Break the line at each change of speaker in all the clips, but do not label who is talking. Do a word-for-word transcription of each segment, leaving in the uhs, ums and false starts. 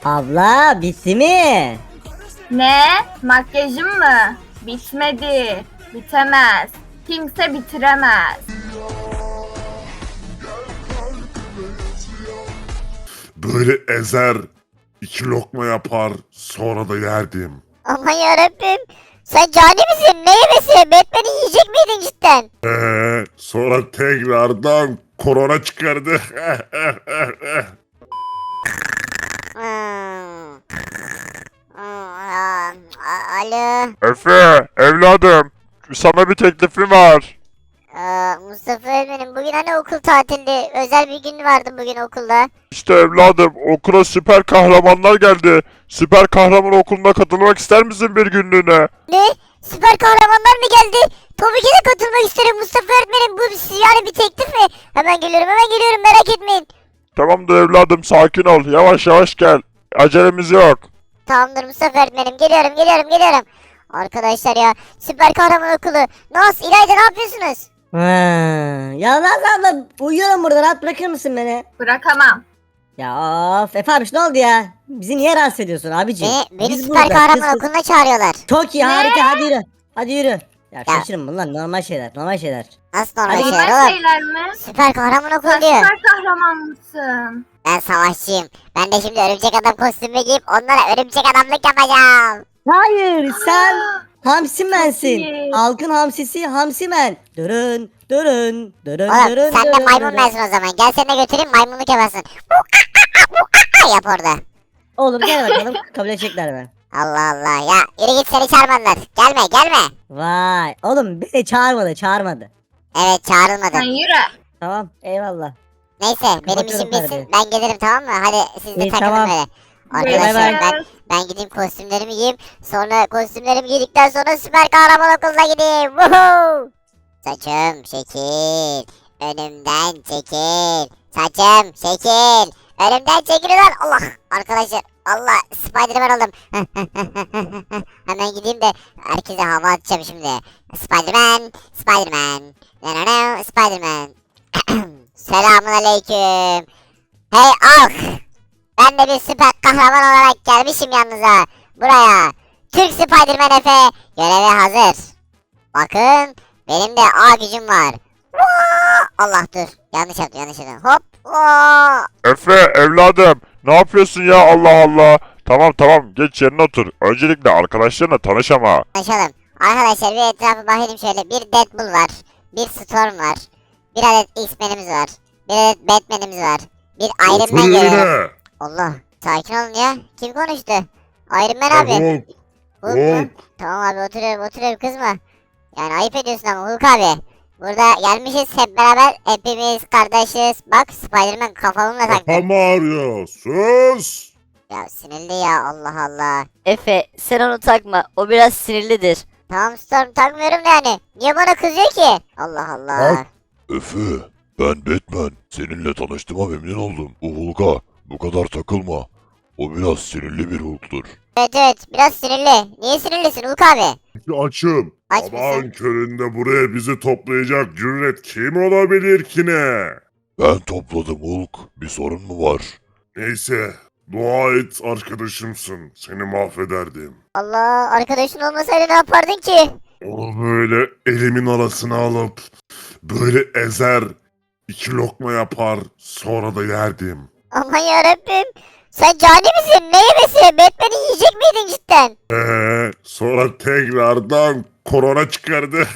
Abla bitti mi?
Ne? Makyajım mı? Bitmedi. Bitemez. Kimse bitiremez.
Böyle ezer, iki lokma yapar, sonra da yerdim.
Aman yarabbim. Sen cani misin? Ne yemesi? Batman'i yiyecek miydin cidden?
Ee, sonra tekrardan korona çıkardı.
Hmm. Hmm, a- Alo.
Efe, evladım. Sana bir teklifim var.
Aa, Mustafa öğretmenim bugün hani okul tatildi. Özel bir gün vardı bugün okulda.
İşte evladım, okula süper kahramanlar geldi. Süper kahraman okuluna katılmak ister misin bir günlüğüne?
Ne? Süper kahramanlar mı geldi? Tabii ki de katılmak isterim Mustafa öğretmenim. Bu yani bir teklif mi? Hemen geliyorum hemen geliyorum merak etmeyin.
Tamamdır evladım, sakin ol. Yavaş yavaş gel. Acelemiz yok.
Tamamdır Mustafa öğretmenim geliyorum geliyorum geliyorum. Arkadaşlar ya süper kahraman okulu. Naz İlayda ne yapıyorsunuz?
Ha, ya Naz abla uyuyorum burada, rahat bırakır mısın beni?
Bırakamam.
Ya of Efe abiş ne oldu ya? Bizi niye rahatsız ediyorsun abiciğim?
Beni, beni
Biz
süper
burada,
kahraman
kız kız-
okuluna çağırıyorlar.
Çok iyi, harika, hadi yürü. Hadi yürü. Ya,
Ya.
şaşırın bunlar normal şeyler, normal şeyler.
Nasıl normal
Hadi
şeyler
Normal
oğlum?
şeyler mi?
Süper kahraman okulu
Sen
diyor.
süper kahraman mısın?
Ben savaşçıyım. Ben de şimdi örümcek adam kostümü giyip onlara örümcek adamlık yapacağım.
Hayır, sen Hamsimensin.
iyi.
Halkın hamsisi Hamsimen. Durun, durun, durun,
Oğlum
durun.
sen de
durun,
maymun
durun.
bensin o zaman. Gel seni de götüreyim maymunluk yapasın. Yap orada.
Olur gel bakalım, kabul edecekler mi?
Allah Allah ya. Yürü git seni çağırmadılar. Gelme gelme.
Vay, oğlum beni çağırmadı, çağırmadı.
Evet
Sen
çağrılmadın.
yürü.
Tamam, eyvallah.
Neyse benim
Kapatıyorum
işim bitsin.
perdeyi.
Ben gelirim tamam mı? Hadi siz de
İyi,
takılın
tamam.
böyle.
Bay
Arkadaşlar
bay.
ben ben gideyim kostümlerimi giyeyim. Sonra kostümlerimi giydikten sonra süper kahraman okuluna gideyim. Woohoo! Saçım şekil. Önümden çekil. Saçım şekil. Önümden çekil lan. Allah. Arkadaşlar Allah Spiderman oldum. Hemen gideyim de herkese hava atacağım şimdi. Spiderman. Spiderman. No, no, no, Spiderman. Selamun aleyküm. Hey Alk. Ben de bir süper kahraman olarak gelmişim yanınıza. Buraya. Türk Spiderman Efe göreve hazır. Bakın benim de A gücüm var. Vaa! Allah dur. Yanlış yaptım yanlış yaptım. Hop. Vaa!
Efe, evladım. Ne yapıyorsun ya, Allah Allah. Tamam tamam, geç yerine otur. Öncelikle arkadaşlarına tanış ama.
Konuşalım. Arkadaşlar bir etrafa bakayım şöyle. Bir Deadpool var. Bir Storm var. Bir adet X-Men'imiz var. Bir adet Batman'imiz var. Bir Iron
Otur
Man görüyorum.
yerine.
Allah. Sakin olun ya. Kim konuştu? Iron Man
Ya
abi.
Hulk,
Hulk mu?
Hulk.
Tamam abi oturuyorum oturuyorum kızma. Yani ayıp ediyorsun ama Hulk abi. Burada gelmişiz hep beraber hepimiz kardeşiz. Bak Spiderman kafamla taktı.
Kafam ağrıyor. Sus.
Ya sinirli ya Allah Allah.
Efe sen onu takma. O biraz sinirlidir.
Tamam Storm takmıyorum da yani. Niye bana kızıyor ki? Allah Allah.
Hulk.
Efe, ben Batman. Seninle tanıştığıma memnun oldum. O Hulk'a bu kadar takılma. O biraz sinirli bir Hulk'tur.
Evet evet biraz sinirli. Niye sinirlisin Hulk abi?
Açım.
Aç
Sabahın
mısın?
köründe buraya bizi toplayacak cüret kim olabilir ki ne?
Ben topladım Hulk. Bir sorun mu var?
Neyse. Dua et arkadaşımsın. Seni mahvederdim.
Allah arkadaşın olmasaydı ne yapardın ki?
Onu böyle elimin arasına alıp böyle ezer, iki lokma yapar, sonra da yerdim.
Aman yarabbim. Sen cani misin? Ne yemesi? Batman'i yiyecek miydin cidden?
Ee, sonra tekrardan korona çıkardı.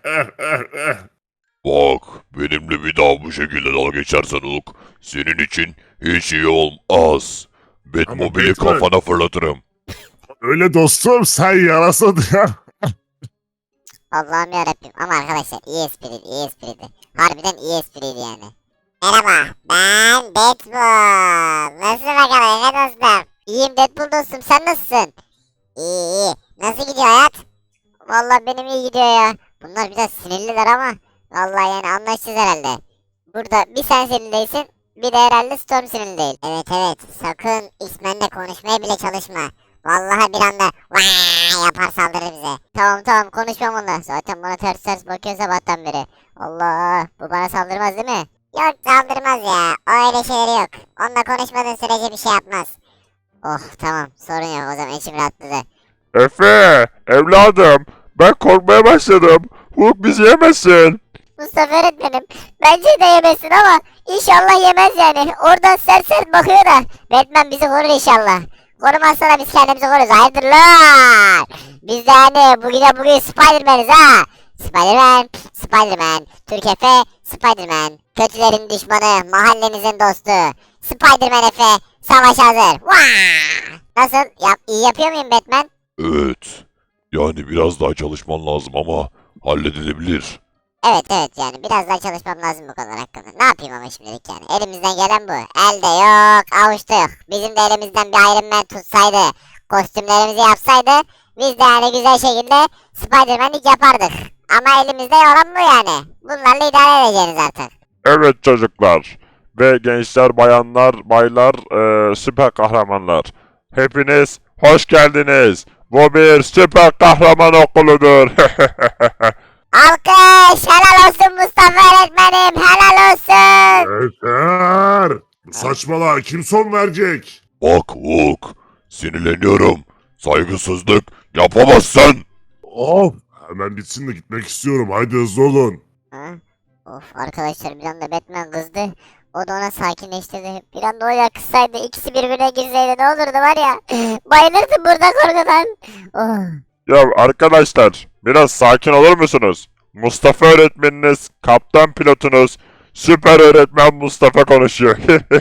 Bak, benimle bir daha bu şekilde dalga geçersen Hulk, senin için hiç iyi olmaz. Batmobile'i
Batman-
kafana fırlatırım.
Öyle dostum sen yarasın ya.
Allah'ım yarabbim. Ama arkadaşlar iyi espriydi, iyi espriydi. Harbiden iyi espriydi yani. Merhaba, ben Deadpool. Nasılsın bakalım Efe dostum? İyiyim Deadpool dostum, sen nasılsın? İyi iyi. Nasıl gidiyor hayat? Vallahi benim iyi gidiyor ya. Bunlar biraz sinirliler ama vallahi yani anlaşacağız herhalde. Burada bir sen sinirli değilsin, bir de herhalde Storm sinirli değil. Evet evet, sakın X-Men'le konuşmaya bile çalışma. Vallahi bir anda vaa yapar saldırır bize. Tamam tamam konuşmam onunla. Zaten bana ters ters bakıyor sabahtan beri. Allah bu bana saldırmaz değil mi? Yok saldırmaz ya. O öyle şeyleri yok. Onunla konuşmadığın sürece bir şey yapmaz. Oh tamam sorun yok o zaman içim rahatladı.
Efe, evladım, ben korkmaya başladım. Hulk bizi yemesin.
Mustafa öğretmenim bence de yemesin ama inşallah yemez yani. Oradan sert sert bakıyor da. Batman bizi korur inşallah. Korumazsa da biz kendimizi koruruz. Hayırdır lan? Biz de hani bugün de bugün Spiderman'iz ha. Spiderman, Spiderman, Türk Efe, Spiderman. Kötülerin düşmanı, mahallenizin dostu. Spiderman Efe, savaş hazır. Vaa! Nasıl? Yap, iyi yapıyor muyum Batman?
Evet. Yani biraz daha çalışman lazım ama halledilebilir.
Evet evet yani biraz daha çalışmam lazım bu konular hakkında. Ne yapayım ama şimdilik yani. Elimizden gelen bu. Elde yok, avuçta yok. Bizim de elimizden bir Iron Man tutsaydı, kostümlerimizi yapsaydı biz de yani güzel şekilde Spider-Man'lik yapardık. Ama elimizde olan bu yani. Bunlarla idare edeceğiz artık.
Evet çocuklar ve gençler, bayanlar, baylar, eee, süper kahramanlar. Hepiniz hoş geldiniz. Bu bir süper kahraman okuludur.
Alkış! Helal olsun Mustafa öğretmenim! Helal olsun!
Yeter. Saçmalığa kim son verecek?
Bak Hulk, sinirleniyorum. Saygısızlık yapamazsın.
Of. Hemen bitsin de gitmek istiyorum. Haydi hızlı olun.
Ha? Of arkadaşlar bir anda Batman kızdı. O da ona sakinleştirdi. Bir anda o yakışsaydı ikisi birbirine girseydi ne olurdu var ya. Bayılırdım burada korkudan. Oh.
Ya arkadaşlar, biraz sakin olur musunuz? Mustafa öğretmeniniz, kaptan pilotunuz, süper öğretmen Mustafa konuşuyor.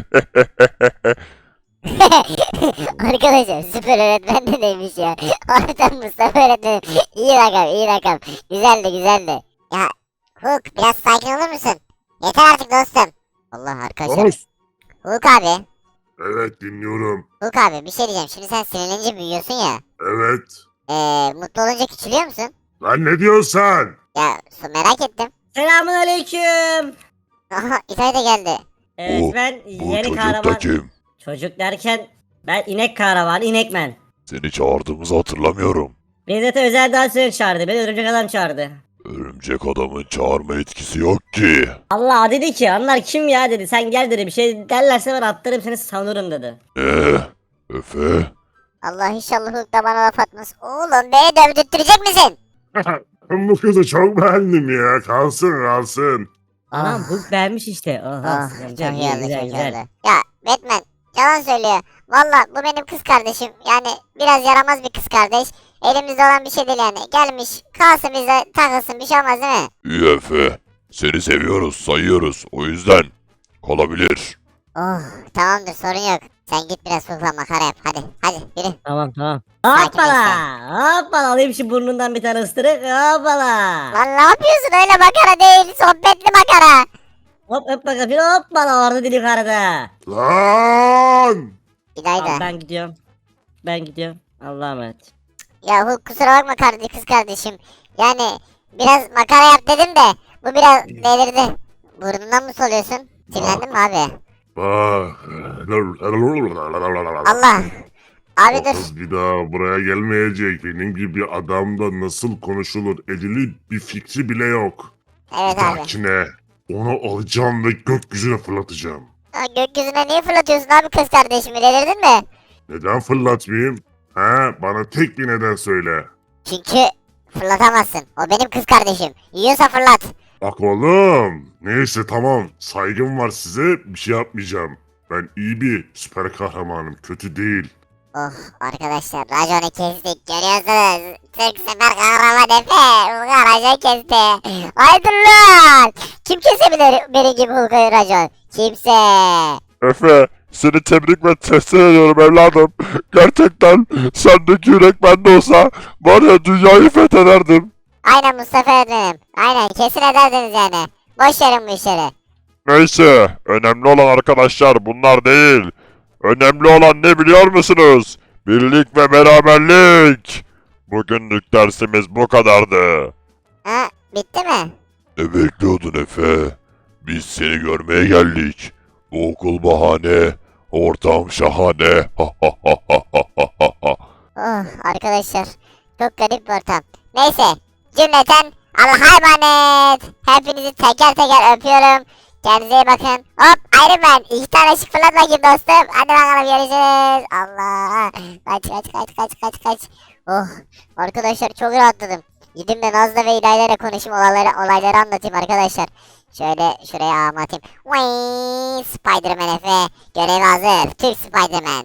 Arkadaşlar süper öğretmen de neymiş ya. Harbiden Mustafa öğretmenim. İyi rakam iyi rakam. Güzeldi güzeldi. Ya Hulk biraz sakin olur musun? Yeter artık dostum. Allah arkadaşlar.
Of.
Hulk abi.
Evet dinliyorum.
Hulk abi bir şey diyeceğim. Şimdi sen sinirlenince büyüyorsun ya.
Evet.
Eee mutlu olunca küçülüyor musun?
Lan ne diyorsun sen?
Ya su merak ettim.
Selamun aleyküm.
Aha İtay da geldi.
Evet
Bu-
ben
Bu
yeni
çocuk
kahraman.
da kim?
Çocuk derken ben inek kahramanı inekmen.
Seni çağırdığımızı hatırlamıyorum.
Beni zaten özel dansör çağırdı. Beni örümcek adam çağırdı.
Örümcek adamın çağırma etkisi yok ki.
Allah dedi ki onlar kim ya dedi. Sen gel dedi, bir şey derlerse ben attırırım seni savunurum dedi.
Ne? Efe?
Allah inşallah Hulk da bana laf atmaz. Oğlum beni dövdürttürecek misin?
Ben bu kızı çok beğendim ya. Kalsın kalsın.
Anam
Ah.
Hulk beğenmiş işte. Aha,
Ah,
güzel,
çok iyi oldu
güzel,
çok iyi
güzel.
oldu. Ya Batman yalan söylüyor. Valla bu benim kız kardeşim. Yani biraz yaramaz bir kız kardeş. Elimizde olan bir şey değil yani. Gelmiş kalsın bize takılsın bir şey olmaz değil mi?
İyi Efe. Seni seviyoruz, sayıyoruz. O yüzden kalabilir.
Oh tamamdır sorun yok. Sen git biraz Hulk'la makara yap hadi hadi yürü.
Tamam tamam.
Sakin
Hoppala. Hoppala, alayım şu burnundan bir tane ısırık. Hoppala.
Lan ne yapıyorsun öyle makara değil sohbetli makara.
Hop hop bakayım, hoppala, orada dili yukarıda.
Lan!
İlayda.
Tamam, ben gidiyorum. Ben gidiyorum. Allah'a emanet.
Ya Hulk kusura bakma kardeş kız kardeşim. Yani biraz makara yap dedim de bu biraz delirdi. Burnundan mı soluyorsun? Sinirlendin mi abi?
Bak.
Allah. Abi
O
dur.
kız bir daha buraya gelmeyecek. Benim gibi adamda nasıl konuşulur edilir bir fikri bile yok.
Evet
Bir
abi.
dahakine onu alacağım ve gökyüzüne fırlatacağım.
Ya gökyüzüne niye fırlatıyorsun abi kız kardeşimi delirdin mi?
Neden fırlatmayayım? He, bana tek bir neden söyle.
Çünkü fırlatamazsın. O benim kız kardeşim. Yiyorsa fırlat.
Bak oğlum. Neyse tamam. Saygım var size. Bir şey yapmayacağım. Ben iyi bir süper kahramanım. Kötü değil.
Oh arkadaşlar raconu kestik görüyorsunuz. Türk sefer kahraman Efe. Hulk'a racon kesti. Haydi lan. Kim kesebilir benim gibi Hulk'a racon? Kimse.
Efe, seni tebrik ve teslim ediyorum evladım. Gerçekten sendeki yürek bende olsa var ya dünyayı fethederdim.
Aynen Mustafa öğretmenim. Aynen kesin ederdiniz yani. Boş verin bu işleri.
Neyse, önemli olan arkadaşlar bunlar değil. Önemli olan ne biliyor musunuz? Birlik ve beraberlik. Bugünlük dersimiz bu kadardı.
Ha bitti mi?
Ne bekliyordun Efe? Biz seni görmeye geldik. Bu okul bahane, ortam şahane. Ha ha ha ha ha ha ha.
Oh arkadaşlar çok garip bir ortam. Neyse cümleten Allah'a emanet. Hepinizi teker teker öpüyorum. Kendinize iyi bakın. Hop Iron Man. İki tane ışık fırlat bakayım dostum. Hadi bakalım görüşürüz. Allah. Kaç kaç kaç kaç kaç kaç. Oh arkadaşlar çok rahatladım. Gideyim de Nazlı ve İlayla ile konuşayım, olayları, olayları anlatayım arkadaşlar. Şöyle şuraya ağımı atayım. Vay, Spider-Man Efe. Görev hazır. Türk Spider-Man.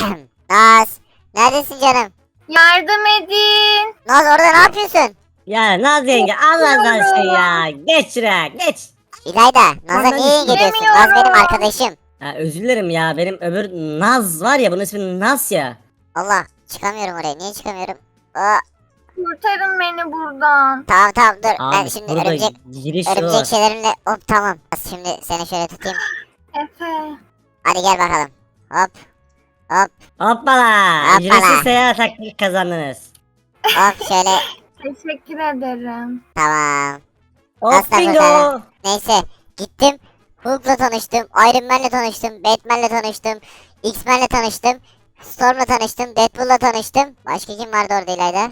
Naz. Neredesin canım?
Yardım edin.
Naz orada ne yapıyorsun?
Ya Naz yenge Allah'ın aşkına ya. Geç şuraya geç.
İlayda. Naz'a
Bana
niye geliyorsun? Naz benim arkadaşım.
Ya özür dilerim ya benim öbür Naz var ya bunun ismi Naz ya.
Allah. Çıkamıyorum oraya. Niye çıkamıyorum? Aa,
Kurtarın beni buradan.
tamam tamam dur. ben
Abi
şimdi
burada
örümcek,
giriş yolu
örümcek
var.
şeylerimle... Hop tamam. Şimdi seni şöyle tutayım.
Efe.
Hadi gel bakalım. Hop. Hop.
Hoppala.
Hoppala.
Ücretsiz seyahat hakkı kazandınız.
Hop şöyle.
Teşekkür ederim.
Tamam.
Hop
Aslan
bingo.
bakalım. Neyse gittim. Hulk'la tanıştım, Iron Man'le tanıştım, Batman'le tanıştım, X-Men'le tanıştım, Storm'la tanıştım, Deadpool'la tanıştım. Başka kim vardı orada İlayda?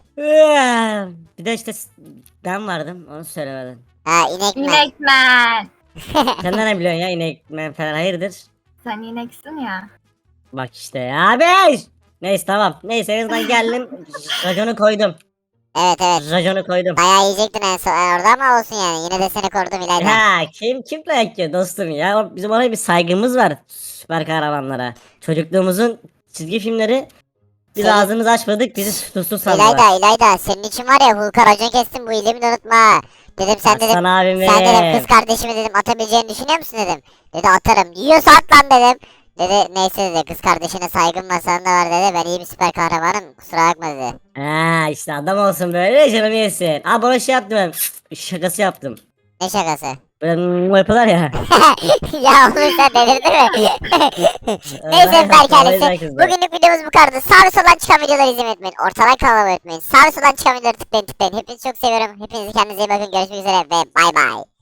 Bir de işte ben vardım onu söylemedin.
Ha inek mi?
İnekmen.
Sen nereden biliyorsun ya inek ben falan hayırdır?
Sen ineksin ya.
Bak işte ya abi. Neyse tamam. Neyse en azından geldim. Raconu koydum.
Evet evet.
Raconu koydum.
Bayağı yiyecektin en son orada ama olsun yani. Yine de seni korudum İlayda.
Ha kim kim dayak yiyor dostum ya. O- Bizim ona bir saygımız var. Süper kahramanlara. Çocukluğumuzun çizgi filmleri biz
Senin-
ağzımızı açmadık bizi susuz sandılar.
İlayda İlayda senin için var ya Hulk'a racon kestim bu iyiliğimi de unutma. Dedim sen dedim.
Aslan abim
Sen dedim
benim.
kız kardeşimi dedim atabileceğini düşünüyor musun dedim. Dedi atarım. Yiyorsa at lan dedim. Dedi neyse dedi kız kardeşine saygım var sana da var dedi. Ben iyi bir süper kahramanım kusura bakma dedi.
Ha işte adam olsun böyle canım yesin. Abi bana şey yaptım ben. Şakası yaptım.
Ne şakası?
Böyle mm yapıyorlar ya.
Ya oğlum sen delirdin mi? Neyse
Ben-
Berk
ben-
ailesi.
ben kızdım.
Bugünlük videomuz bu kadardı. Sağ ve soldan çıkan videoları izlemeyi unutmayın. Ortadan kanalıma unutmayın. Sağ ve soldan çıkan videoları tıklayın tıklayın. Hepinizi çok seviyorum. Hepinizi kendinize iyi bakın. Görüşmek üzere ve bay bay.